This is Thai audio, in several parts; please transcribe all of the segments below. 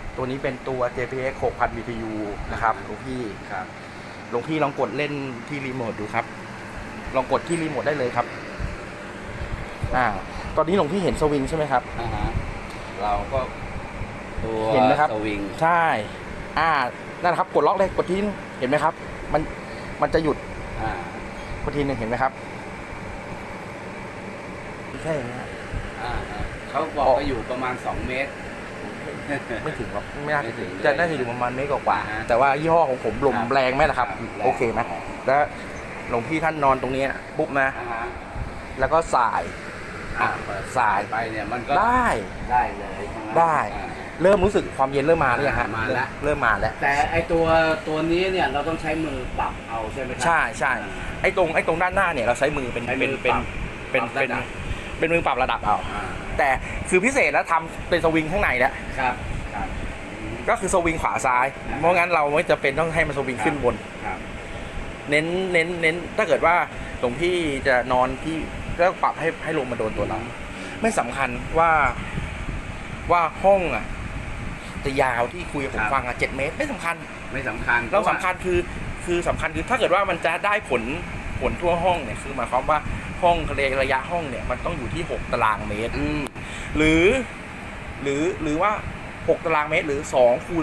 ตัวนี้เป็นตัว JPX 6000 BTU นะครับหลวงพี่ครับหลวงพี่ลองกดเล่นที่รีโมทดูครับลองกดที่รีโมทได้เลยครับตอนนี้หลวงพี่เห็นสวิงใช่ไหมครับเราก็ตัวเห็นไหมครับสวิงใช่นั่นครับกดล็อกเลยกดทีนึงเห็นไหมครับมันจะหยุดกดทีนึงเห็นไหมครับแค่นี้เขาบอกว่าอยู่ประมาณ2 เมตรไม่ถึงหรอกไม่น่าถึงจะน่าจะอยู่ประมาณเมตรกว่าแต่ว่ายี่ห้อของผมลมแรงไหมล่ะครับโอเคไหมแล้วหลวงพี่ท่านนอนตรงนี้ปุ๊บนะแล้วก็สายไปเนี่ยมันก็ได้เลยได้เริ่มรู้สึกความเย็นเริ่มมาหรือยังฮะมาแล้วเริ่มมาแล้วแต่ไอตัวนี้เนี่ยเราต้องใช้มือปรับเอาใช่ไหมครับใช่ไอตรงด้านหน้าเนี่ยเราใช้มือเป็นมือปรับระดับเอาแต่คือพิเศษแล้วทำเป็นสวิงข้างในแล้วครับก็คือสวิงขวาซ้ายเพราะงั้นเราไม่จะเป็นต้องให้มันสวิงขึ้นบนเน้นถ้าเกิดว่าหลวงพี่จะนอนที่ก็ปรับให้ลมมาโดนตัวเราไม่สำคัญว่าห้องจะยาวที่คุยกับผมฟัง7 เมตรไม่สำคัญเราสำคัญคือสำคัญคือถ้าเกิดว่ามันจะได้ผลทั่วห้องเนี่ยคือหมายความว่าห้องระยะห้องเนี่ยมันต้องอยู่ที่6 ตารางเมตรหรือว่า6 ตารางเมตรหรือ2 คูณ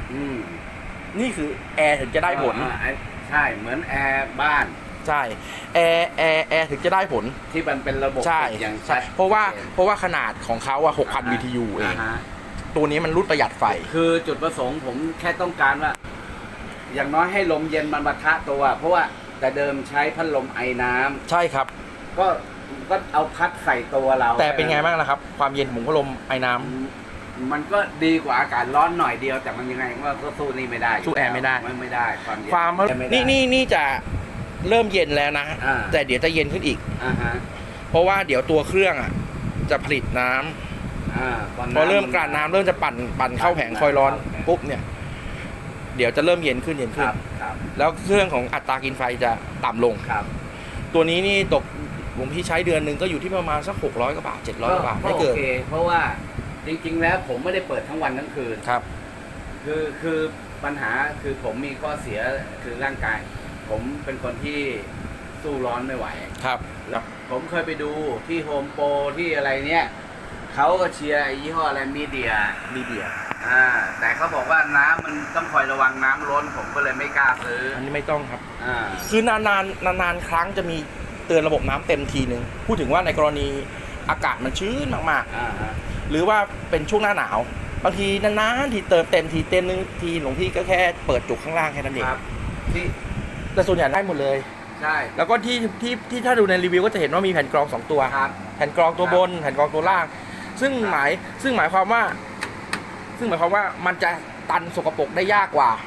3นี่คือแอร์ถึงจะได้ผลใช่เหมือนแอร์บ้านใช่แอร์ถึงจะได้ผลที่มันเป็นระบบอย่างใช่เพราะว่าขนาดของเขา6,000 BTU เองตัวนี้มันรุดประหยัดไฟคือจุดประสงค์ผมแค่ต้องการว่าอย่างน้อยให้ลมเย็นมันปะทะตัวเพราะว่าแต่เดิมใช้พัดลมไอน้ำใช่ครับก็เอาพัดใส่ตัวเราแต่เป็นไงบ้างล่ะครับความเย็นของพัดลมไอน้ำมันก็ดีกว่าอากาศร้อนหน่อยเดียวแต่มันยังไงก็สู้นี่ไม่ได้สู้แอร์ไม่ได้ความนี่จะเริ่มเย็นแล้วนะแต่เดี๋ยวจะเย็นขึ้นอีกเพราะว่าเดี๋ยวตัวเครื่องจะผลิตน้ำพอเริ่มกลั่นน้ำเริ่มจะปั่นเข้าแผงคอยร้อนปุ๊บเนี่ยเดี๋ยวจะเริ่มเย็นขึ้นแล้วเครื่องของอัตรากินไฟจะต่ำลงตัวนี้นี่ตกผมที่ใช้เดือนหนึ่งก็อยู่ที่ประมาณสัก600 กว่าบาท700 กว่าบาทไม่เกินเพราะว่าจริงๆแล้วผมไม่ได้เปิดทั้งวันทั้งคืนครับคือปัญหาคือผมมีข้อเสียคือร่างกายผมเป็นคนที่สู้ร้อนไม่ไหวครับผมเคยไปดูที่โฮมโปรที่อะไรเนี่ยเขาก็เชียร์ยี่ห้ออะไรมีเดียแต่เขาบอกว่าน้ำมันต้องคอยระวังน้ำล้นผมก็เลยไม่กล้าซื้ออันนี้ไม่ต้องครับคือนานครั้งจะมีเตือนระบบน้ำเต็มทีนึงพูดถึงว่าในกรณีอากาศมันชื้นมากๆหรือว่าเป็นช่วงหน้าหนาวบางทีนานๆทีเติมเต็มนึงทีหลวงพี่ก็แค่เปิดจุกข้างล่างแค่นั้นเองแต่ส่วนใหญ่ได้หมดเลยใช่แล้วก็ที่ถ้าดูในรีวิวก็จะเห็นว่ามีแผ่นกรอง2 ตัวแผ่นกรองตัวบนแผ่นกรองตัวล่างซึ่งหมายความว่ามันจะตันสกปรกได้ยากกว่า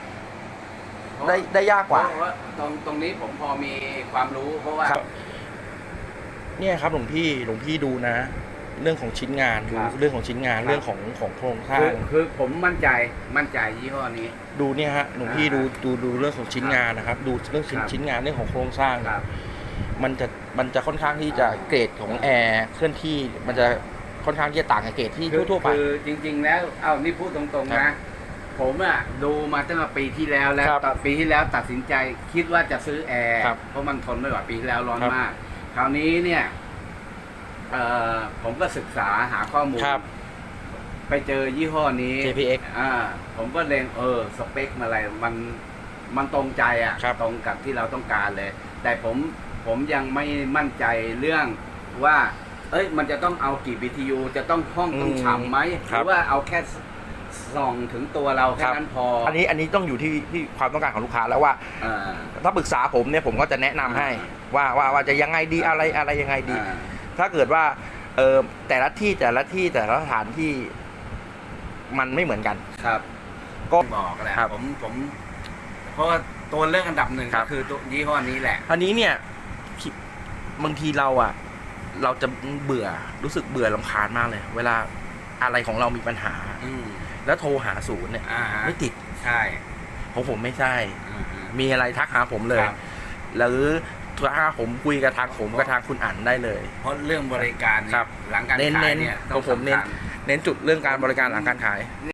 ได้ยากกว่าตรงนี้ผมพอมีความรู้เพราะว่าเนี่ยครับหลวงพี่ดูนะเรื่องของชิ้นงานดูเรื่องของชิ้นงานเรื่องของโครงสร้างคือผมมั่นใจยี่ห้อนี้ดูเนี่ยฮะหลวงพี่ดูเรื่องของชิ้นงานนะครับดูเรื่องชิ้นงานเรื่องของโครงสร้างมันจะค่อนข้างที่จะเกรดของแอร์เคลื่อนที่มันจะค่อนข้างที่จะต่างกับเกรดที่ทั่วไปคือจริงๆแล้วนี่พูดตรงๆนะผมดูมาตั้งแต่ปีที่แล้วปีที่แล้วตัดสินใจคิดว่าจะซื้อแอร์เพราะมันทนไม่ไหวปีที่แล้วร้อนมากคราวนี้เนี่ยผมก็ศึกษาหาข้อมูลไปเจอยี่ห้อนี้ JPX ผมก็เล็งสเปคอะไรมันตรงใจตรงกับที่เราต้องการเลยแต่ผมยังไม่มั่นใจเรื่องว่ามันจะต้องเอากี่ BTU จะต้องห้องต้องฉ่ำไหมหรือว่าเอาแค่ส่องถึงตัวเราแค่นั้นพออันนี้ต้องอยู่ที่ความต้องการของลูกค้าแล้วว่าถ้าปรึกษาผมเนี่ยผมก็จะแนะนำให้ว่าจะยังไงดีอะไรยังไงดีถ้าเกิดว่าแต่ละสถานที่มันไม่เหมือนกันครับก็บอกแหละผมเพราะว่าตัวเลือกอันดับหนึ่งก็คือตัวยี่ห้อนี้แหละอันนี้เนี่ยบางทีเราจะรู้สึกเบื่อรำคาญมากเลยเวลาอะไรของเรามีปัญหาแล้วโทรหาศูนย์เนี่ยไม่ติดใช่ของผมไม่ใช่มีอะไรทักหาผมเลยหรือถ้าผมคุยกับทางผมกับทางคุณอั๋นได้เลยเพราะเรื่องบริการหลังการขายเนี่ยผมเน้นจุดเรื่องการบริการหลังการขาย